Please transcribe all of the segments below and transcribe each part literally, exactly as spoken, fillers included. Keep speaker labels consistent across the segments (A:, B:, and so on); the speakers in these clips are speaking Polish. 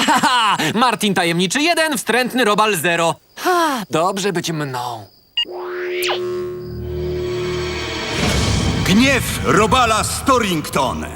A: ha, ha! Martin Tajemniczy jeden, wstrętny Robal zero. Ha, dobrze być mną.
B: Gniew Robala Storrington.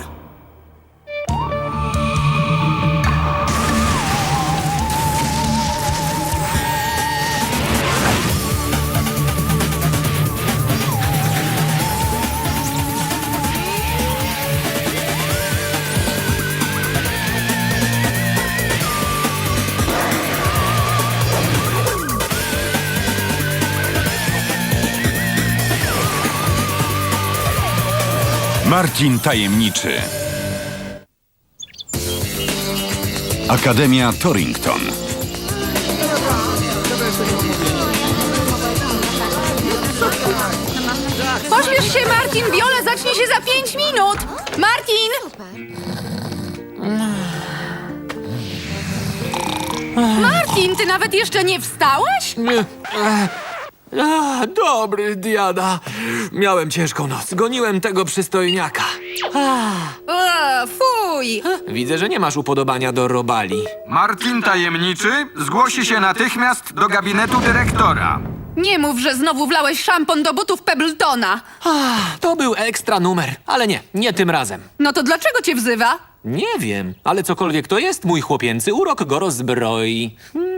B: Martin Tajemniczy. Akademia Torrington.
C: Pośpiesz się, Martin! Viola zacznie się za pięć minut! Martin! Martin, ty nawet jeszcze nie wstałeś?
A: A, dobry, Diada. Miałem ciężką noc. Goniłem tego przystojniaka.
C: O, fuj!
A: Widzę, że nie masz upodobania do robali.
D: Martin Tajemniczy zgłosi się natychmiast do gabinetu dyrektora.
C: Nie mów, że znowu wlałeś szampon do butów Pebbletona.
A: Ach, to był ekstra numer, ale nie, nie tym razem.
C: No to dlaczego cię wzywa?
A: Nie wiem, ale cokolwiek to jest, mój chłopięcy urok go rozbroi.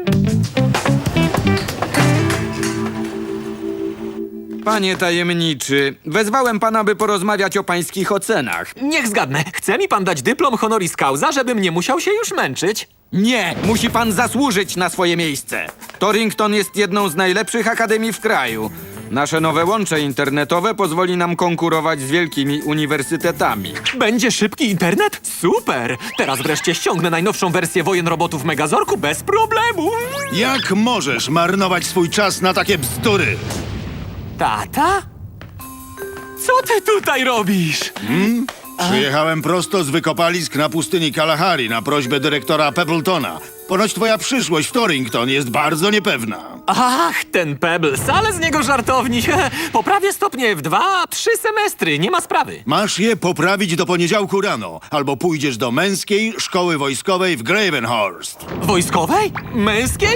D: Panie Tajemniczy, wezwałem pana, by porozmawiać o pańskich ocenach.
A: Niech zgadnę, chce mi pan dać dyplom honoris causa, żebym nie musiał się już męczyć?
D: Nie, musi pan zasłużyć na swoje miejsce. Torrington jest jedną z najlepszych akademii w kraju. Nasze nowe łącze internetowe pozwoli nam konkurować z wielkimi uniwersytetami.
A: Będzie szybki internet? Super! Teraz wreszcie ściągnę najnowszą wersję Wojen Robotów w Megazorku bez problemu.
B: Jak możesz marnować swój czas na takie bzdury?
A: Tata? Co ty tutaj robisz?
B: Przyjechałem prosto z wykopalisk na pustyni Kalahari na prośbę dyrektora Pebbletona. Ponoć twoja przyszłość w Torrington jest bardzo niepewna.
A: Ach, ten Pebbles, ale z niego żartowni. Poprawię stopnie w dwa, trzy semestry, nie ma sprawy.
B: Masz je poprawić do poniedziałku rano, albo pójdziesz do męskiej szkoły wojskowej w Gravenhurst.
A: Wojskowej? Męskiej?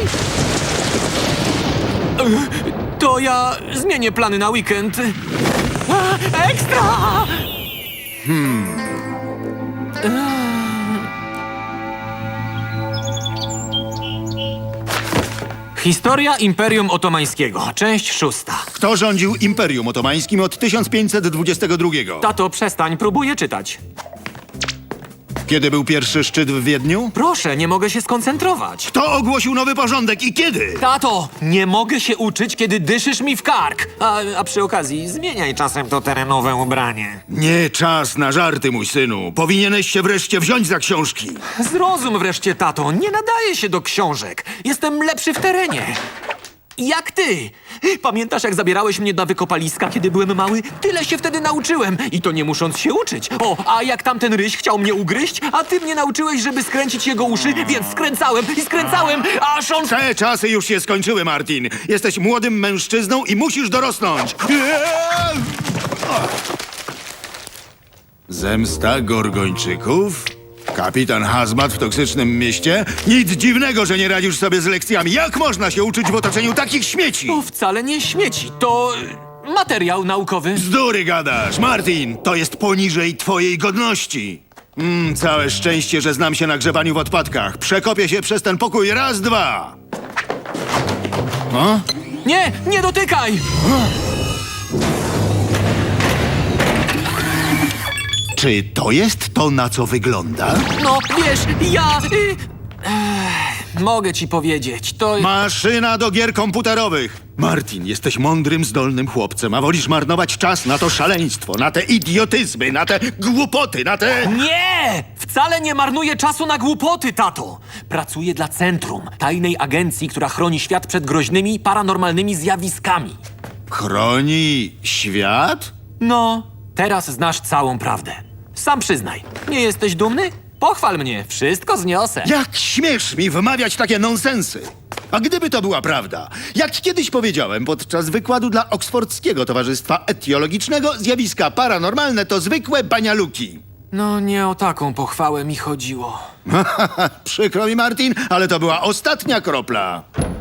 A: Ech, To ja zmienię plany na weekend. A, ekstra! Historia Imperium Otomańskiego, część szósta.
B: Kto rządził Imperium Otomańskim od tysiąc pięćset dwudziestego drugiego?
A: Tato, przestań, próbuję czytać.
B: Kiedy był pierwszy szczyt w Wiedniu?
A: Proszę, nie mogę się skoncentrować.
B: Kto ogłosił nowy porządek i kiedy?
A: Tato, nie mogę się uczyć, kiedy dyszysz mi w kark. A, a przy okazji, zmieniaj czasem to terenowe ubranie.
B: Nie czas na żarty, mój synu. Powinieneś się wreszcie wziąć za książki.
A: Zrozum wreszcie, tato, nie nadaje się do książek. Jestem lepszy w terenie. Jak ty. Pamiętasz, jak zabierałeś mnie na wykopaliska, kiedy byłem mały? Tyle się wtedy nauczyłem. I to nie musząc się uczyć. O, a jak tamten ryś chciał mnie ugryźć, a ty mnie nauczyłeś, żeby skręcić jego uszy, więc skręcałem i skręcałem, aż on...
B: Te czasy już się skończyły, Martin. Jesteś młodym mężczyzną i musisz dorosnąć. Zemsta Gorgończyków? Kapitan Hazmat w toksycznym mieście? Nic dziwnego, że nie radzisz sobie z lekcjami. Jak można się uczyć w otoczeniu takich śmieci?
A: To wcale nie śmieci, to y, materiał naukowy.
B: Bzdury gadasz, Martin. To jest poniżej twojej godności. Mm, całe szczęście, że znam się na grzebaniu w odpadkach. Przekopię się przez ten pokój raz, dwa. O?
A: Nie, nie dotykaj!
B: Czy to jest to, na co wygląda?
A: No, wiesz, ja... Y, ech, mogę ci powiedzieć, to...
B: Maszyna do gier komputerowych. Martin, jesteś mądrym, zdolnym chłopcem, a wolisz marnować czas na to szaleństwo, na te idiotyzmy, na te głupoty, na te...
A: Nie! Wcale nie marnuję czasu na głupoty, tato! Pracuję dla Centrum, tajnej agencji, która chroni świat przed groźnymi, paranormalnymi zjawiskami.
B: Chroni świat?
A: No, teraz znasz całą prawdę. Sam przyznaj, nie jesteś dumny? Pochwal mnie, wszystko zniosę.
B: Jak śmiesz mi wymawiać takie nonsensy? A gdyby to była prawda, jak kiedyś powiedziałem podczas wykładu dla Oksfordzkiego Towarzystwa Etiologicznego, zjawiska paranormalne to zwykłe banialuki.
A: No nie o taką pochwałę mi chodziło.
B: Przykro mi, Martin, ale to była ostatnia kropla.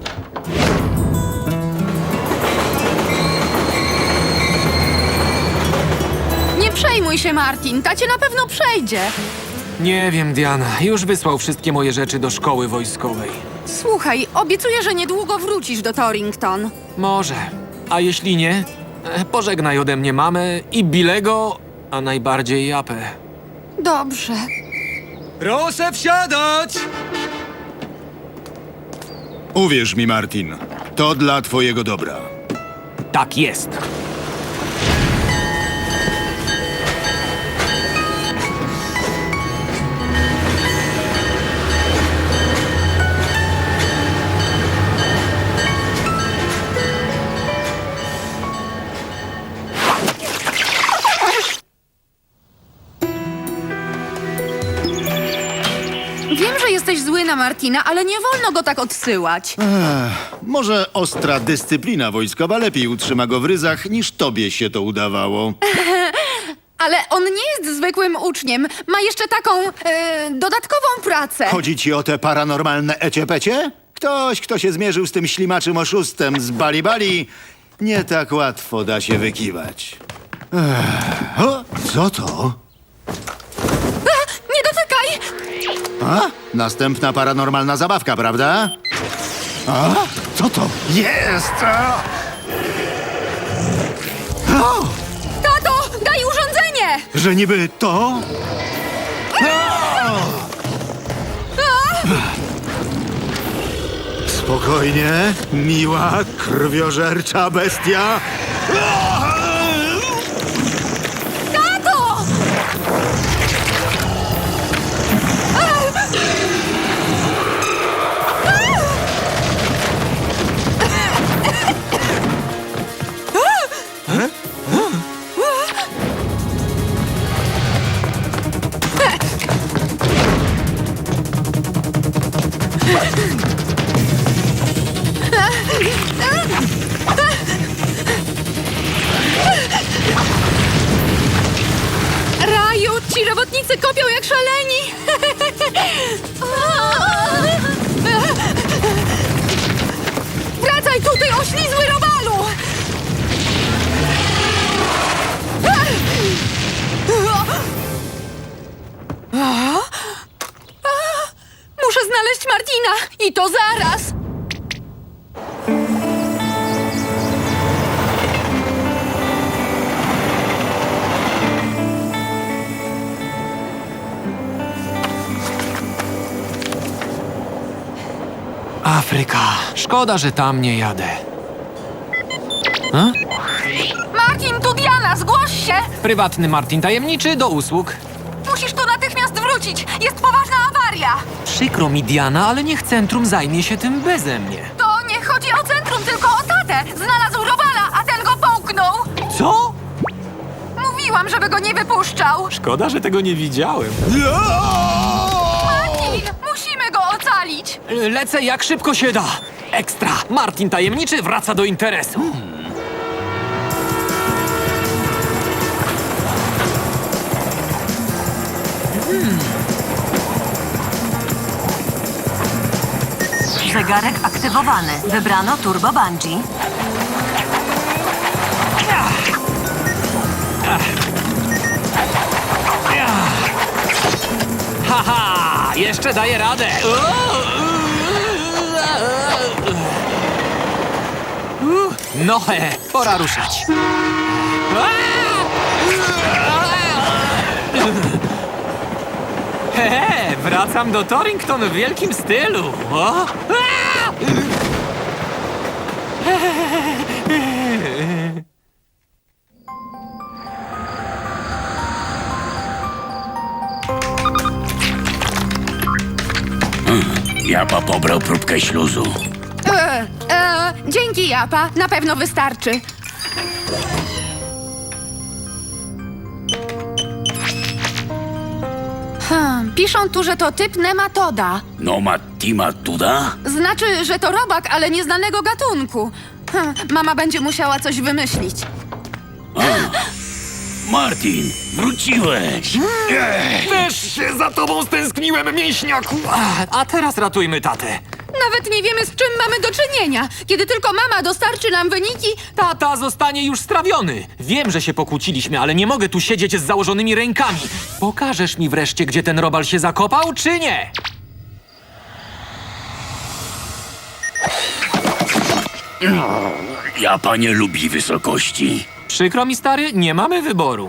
C: Nie przejmuj się, Martin. Tacie na pewno przejdzie.
A: Nie wiem, Diana. Już wysłał wszystkie moje rzeczy do szkoły wojskowej.
C: Słuchaj, obiecuję, że niedługo wrócisz do Torrington.
A: Może. A jeśli nie, e, pożegnaj ode mnie mamę i Bilego, a najbardziej Japę.
C: Dobrze.
A: Proszę wsiadać!
B: Uwierz mi, Martin, to dla twojego dobra.
A: Tak jest.
C: Wiem, że jesteś zły na Martina, ale nie wolno go tak odsyłać.
B: Może ostra dyscyplina wojskowa lepiej utrzyma go w ryzach, niż tobie się to udawało.
C: Ale on nie jest zwykłym uczniem. Ma jeszcze taką e, dodatkową pracę.
B: Chodzi ci o te paranormalne eciepecie? Ktoś, kto się zmierzył z tym ślimaczym oszustem z Bali Bali, nie tak łatwo da się wykiwać. Ech, o, co to?
C: Nie dotykaj!
B: A? Następna paranormalna zabawka, prawda? A? Co to jest? A! O!
C: Tato, daj urządzenie!
B: Że niby to? Spokojnie, miła, krwiożercza bestia.
C: Tato! Raju, ci robotnicy kopią jak szaleni! Wracaj tutaj, oślizły robalu! Muszę znaleźć Martina i to zaraz!
A: Afryka. Szkoda, że tam nie jadę.
C: Martin, tu Diana, zgłoś się!
A: Prywatny Martin tajemniczy do usług.
C: Musisz tu natychmiast wrócić! Jest poważna awaria!
A: Przykro mi, Diana, ale niech centrum zajmie się tym beze mnie.
C: To nie chodzi o centrum, tylko o tatę! Znalazł robala, a ten go połknął!
A: Co?
C: Mówiłam, żeby go nie wypuszczał!
A: Szkoda, że tego nie widziałem.
C: Martin, musimy go ocalić!
A: Lecę jak szybko się da. Ekstra. Martin tajemniczy wraca do interesu.
E: Zegarek aktywowany. Wybrano Turbo Bungee.
A: Haha! Jeszcze daję radę. No he, pora ruszać. He, wracam do Torrington w wielkim stylu. O!
F: Japa pobrał próbkę śluzu.
C: E, e, dzięki, Japa. Na pewno wystarczy. Hmm, piszą tu, że to typ nematoda.
F: No ma Tima Tuda?
C: Znaczy, że to robak, ale nieznanego gatunku. Hmm, mama będzie musiała coś wymyślić.
F: Martin, wróciłeś.
A: Też się za tobą stęskniłem, mięśniaku! A, a teraz ratujmy tatę.
C: Nawet nie wiemy, z czym mamy do czynienia. Kiedy tylko mama dostarczy nam wyniki,
A: Tata zostanie już strawiony. Wiem, że się pokłóciliśmy, ale nie mogę tu siedzieć z założonymi rękami. Pokażesz mi wreszcie, gdzie ten robal się zakopał, czy nie?
F: Japa nie lubi wysokości.
A: Przykro mi, stary, nie mamy wyboru.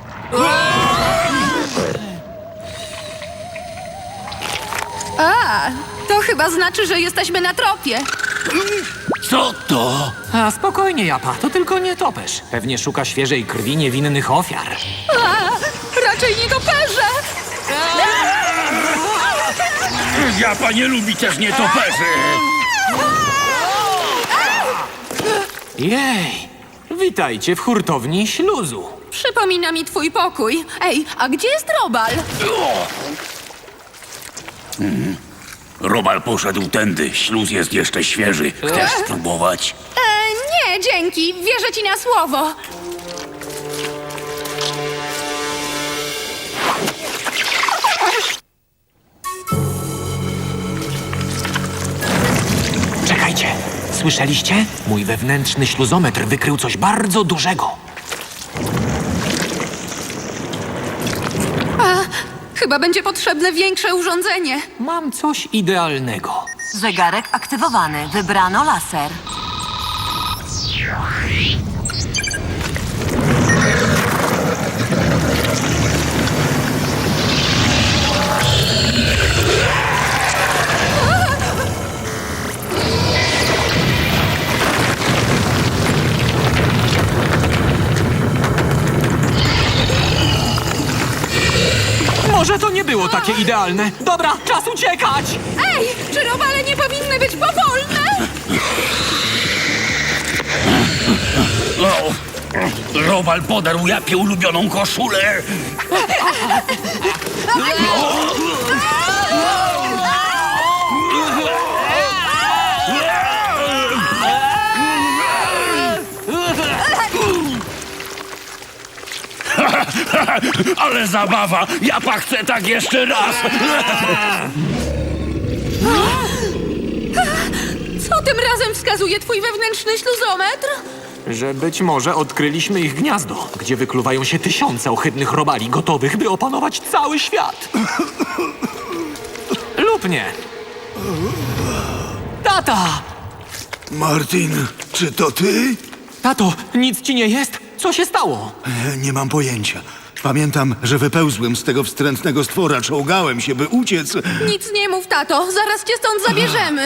C: a, to chyba znaczy, że jesteśmy na tropie.
F: Co to?
A: A spokojnie, Japa, to tylko nietoperz. Pewnie szuka świeżej krwi niewinnych ofiar.
C: A, raczej nie toperze.
F: Japa nie lubi też nietoperzy.
A: Jej, witajcie w hurtowni śluzu.
C: Przypomina mi twój pokój. Ej, a gdzie jest robal?
F: Robal poszedł tędy. Śluz jest jeszcze świeży. Chcesz spróbować?
C: E, nie, dzięki. Wierzę ci na słowo.
A: Czekajcie, słyszeliście? Mój wewnętrzny śluzometr wykrył coś bardzo dużego.
C: Chyba będzie potrzebne większe urządzenie.
A: Mam coś idealnego.
E: Zegarek aktywowany. Wybrano laser.
A: Może to nie było takie idealne. Dobra, czas uciekać!
C: Ej, czy robale nie powinny być powolne?
F: O, Robal podarł Japie ulubioną koszulę. Ale zabawa! Japa chce tak jeszcze raz!
C: Co tym razem wskazuje twój wewnętrzny śluzometr?
A: Że być może odkryliśmy ich gniazdo, gdzie wykluwają się tysiące ohydnych robali gotowych, by opanować cały świat. Lub nie. Tata!
B: Martin, czy to ty?
A: Tato, nic ci nie jest? Co się stało?
B: E, Nie mam pojęcia. Pamiętam, że wypełzłem z tego wstrętnego stwora, czołgałem się, by uciec.
C: Nic nie mów, tato. Zaraz cię stąd zabierzemy.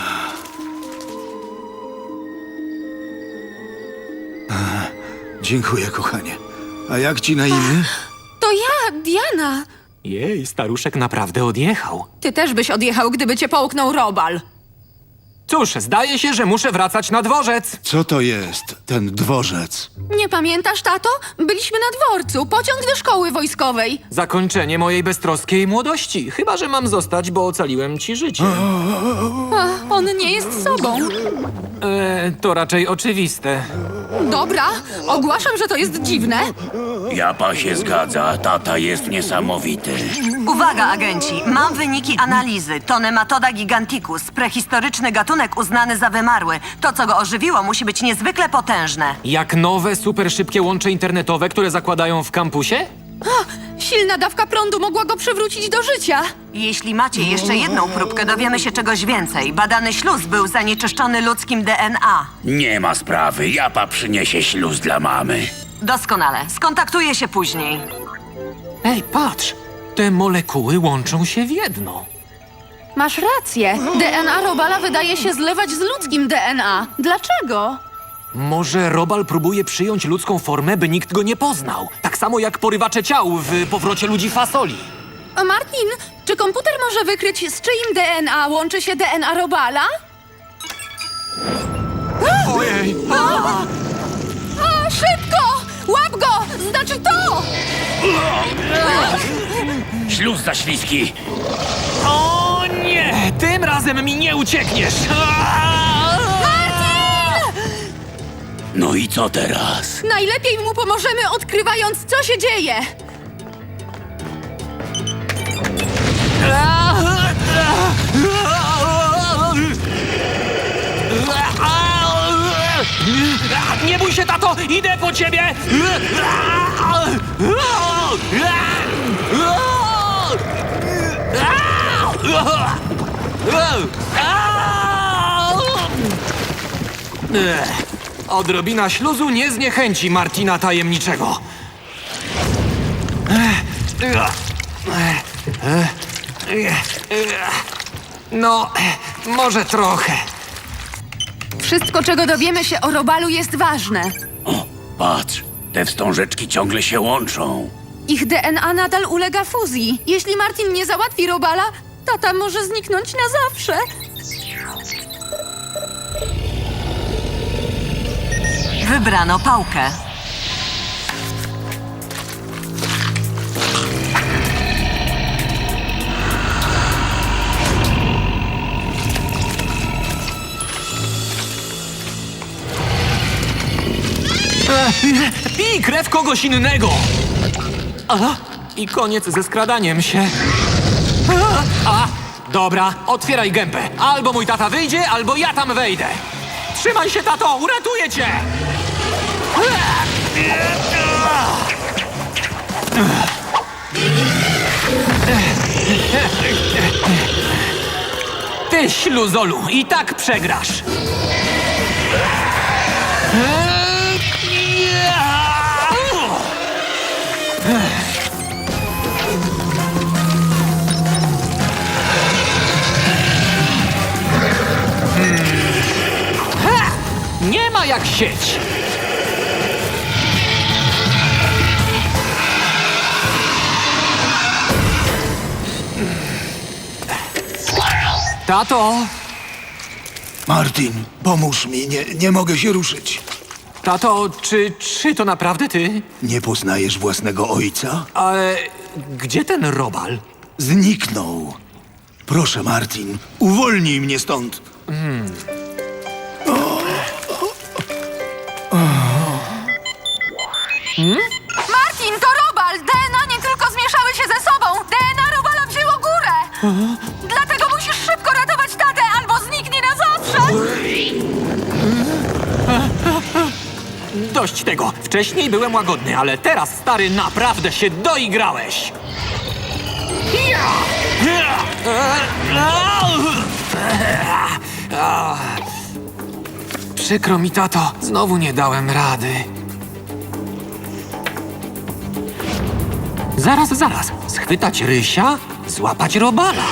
B: Dziękuję, kochanie. A jak ci na imię?
C: To ja, Diana.
A: Jej, staruszek naprawdę odjechał.
C: Ty też byś odjechał, gdyby cię połknął robal.
A: Cóż, zdaje się, że muszę wracać na dworzec.
B: Co to jest, ten dworzec?
C: Nie pamiętasz, tato? Byliśmy na dworcu. Pociąg do szkoły wojskowej.
A: Zakończenie mojej beztroskiej młodości. Chyba że mam zostać, bo ocaliłem ci życie.
C: A, on nie jest sobą.
A: E, to raczej oczywiste.
C: Dobra, ogłaszam, że to jest dziwne.
F: Japa się zgadza, tata jest niesamowity.
E: Uwaga, agenci! Mam wyniki analizy. To Nematoda giganticus, prehistoryczny gatunek uznany za wymarły. To, co go ożywiło, musi być niezwykle potężne.
A: Jak nowe, super szybkie łącze internetowe, które zakładają w kampusie?
C: Silna dawka prądu mogła go przywrócić do życia.
E: Jeśli macie jeszcze jedną próbkę, dowiemy się czegoś więcej. Badany śluz był zanieczyszczony ludzkim D N A.
F: Nie ma sprawy, Japa przyniesie śluz dla mamy.
E: Doskonale. Skontaktuję się później.
A: Ej, patrz! Te molekuły łączą się w jedno.
C: Masz rację. D N A robala wydaje się zlewać z ludzkim D N A. Dlaczego?
A: Może robal próbuje przyjąć ludzką formę, by nikt go nie poznał. Tak samo jak porywacze ciał w powrocie ludzi fasoli.
C: A Martin, czy komputer może wykryć, z czyim D N A łączy się D N A robala?
A: Ojej!
C: A, szybko! Łap go! Znaczy to!
F: Śluz za śliski.
A: O nie! Tym razem mi nie uciekniesz!
F: No i co teraz?
C: Najlepiej mu pomożemy, odkrywając, co się dzieje.
A: Nie bój się, tato! Idę po ciebie! Ech, Odrobina śluzu nie zniechęci Martina Tajemniczego. No, może trochę.
C: Wszystko, czego dowiemy się o Robalu, jest ważne.
F: O, patrz, te wstążeczki ciągle się łączą.
C: Ich D N A nadal ulega fuzji. Jeśli Martin nie załatwi Robala, tata może zniknąć na zawsze.
E: Wybrano pałkę.
A: Pij krew kogoś innego! A, i koniec ze skradaniem się. A, a, dobra, otwieraj gębę. Albo mój tata wyjdzie, albo ja tam wejdę. Trzymaj się, tato, uratuję cię! Ty, śluzolu, i tak przegrasz. Ha! Nie ma jak sieć. Tato,
B: Martin, pomóż mi, nie, nie mogę się ruszyć.
A: tato, czy, czy to naprawdę ty?
B: Nie poznajesz własnego ojca?
A: Ale gdzie ten Robal?
B: Zniknął. Proszę, Martin, uwolnij mnie stąd.
C: Martin, to Robal! D N A nie tylko zmieszały się ze sobą. D N A Robala wzięło górę. Dlatego musisz szybko ratować tatę, albo zniknie na zawsze.
A: Dość tego. Wcześniej byłem łagodny, ale teraz, stary, naprawdę się doigrałeś. Przykro mi, tato. Znowu nie dałem rady. Zaraz, zaraz. Schwytać Rysia, złapać Robala.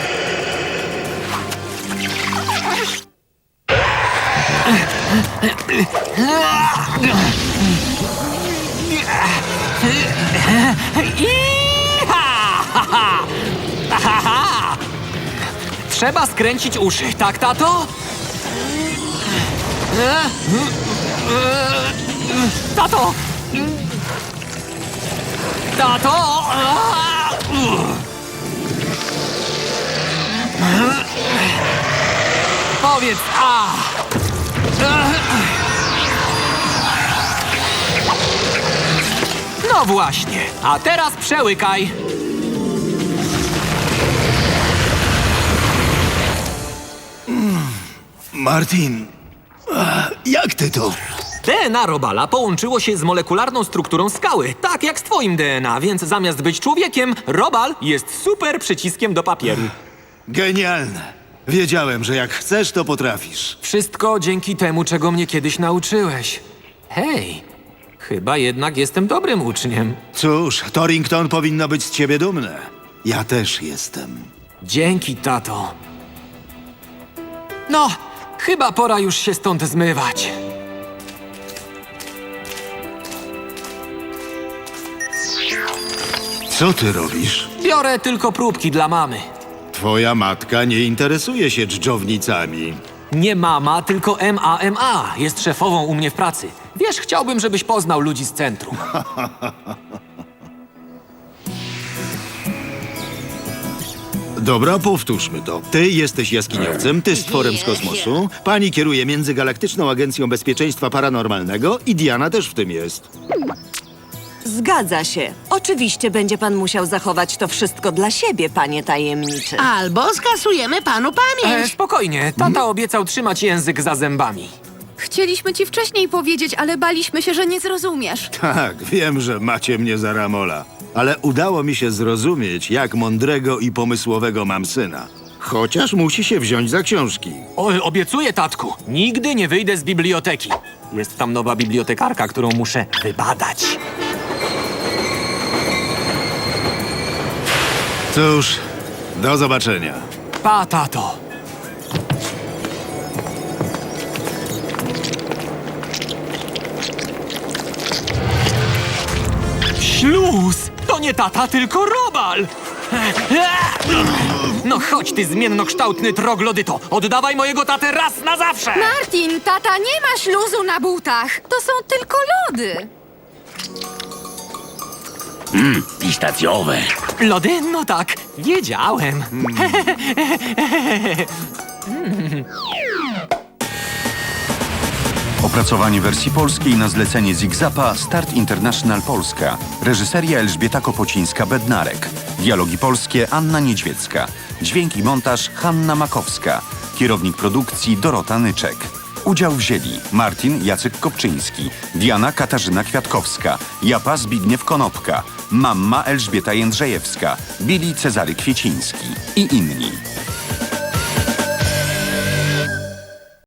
A: Iha! Ha, ha! Trzeba skręcić uszy, tak, tato? Tato! Tato! Powiedz a! No właśnie, a teraz przełykaj.
B: Martin, ach, jak ty to?
A: D N A Robala połączyło się z molekularną strukturą skały, tak jak z twoim D N A, więc zamiast być człowiekiem, Robal jest super przyciskiem do papieru.
B: Genialne. Wiedziałem, że jak chcesz, to potrafisz.
A: Wszystko dzięki temu, czego mnie kiedyś nauczyłeś. Hej, chyba jednak jestem dobrym uczniem.
B: Cóż, Torrington powinno być z ciebie dumne. Ja też jestem.
A: Dzięki, tato. No, chyba pora już się stąd zmywać.
B: Co ty robisz?
A: Biorę tylko próbki dla mamy.
B: Twoja matka nie interesuje się dżdżownicami.
A: Nie mama, tylko M A M A. Jest szefową u mnie w pracy. Wiesz, chciałbym, żebyś poznał ludzi z centrum.
B: Dobra, powtórzmy to. Ty jesteś jaskiniowcem, ty stworem z kosmosu, pani kieruje Międzygalaktyczną Agencją Bezpieczeństwa Paranormalnego i Diana też w tym jest.
E: Zgadza się. Oczywiście będzie pan musiał zachować to wszystko dla siebie, panie tajemniczy.
G: Albo skasujemy panu
A: E,
G: pamięć.
A: spokojnie, tata obiecał trzymać język za zębami.
C: Chcieliśmy ci wcześniej powiedzieć, ale baliśmy się, że nie zrozumiesz.
B: Tak, wiem, że macie mnie za Ramola, ale udało mi się zrozumieć, jak mądrego i pomysłowego mam syna. Chociaż musi się wziąć za książki.
A: O, obiecuję, tatku, nigdy nie wyjdę z biblioteki. Jest tam nowa bibliotekarka, którą muszę wybadać.
B: Cóż, do zobaczenia.
A: Pa, tato. Śluz! To nie tata, tylko robal! No chodź, ty zmiennokształtny troglodyto! Oddawaj mojego tatę raz na zawsze!
C: Martin, tata nie ma śluzu na butach. To są tylko lody.
F: Pistacjowe.
A: Lody? No tak, wiedziałem.
H: Opracowanie wersji polskiej na zlecenie Zigzapa Start International Polska. Reżyseria Elżbieta Kopocińska-Bednarek. Dialogi polskie Anna Niedźwiecka. Dźwięk i montaż Hanna Makowska. Kierownik produkcji Dorota Nyczek. Udział wzięli Martin Jacek Kopczyński, Diana Katarzyna Kwiatkowska, Japa Zbigniew Konopka, Mamma Elżbieta Jędrzejewska, Billy Cezary Kwieciński i inni.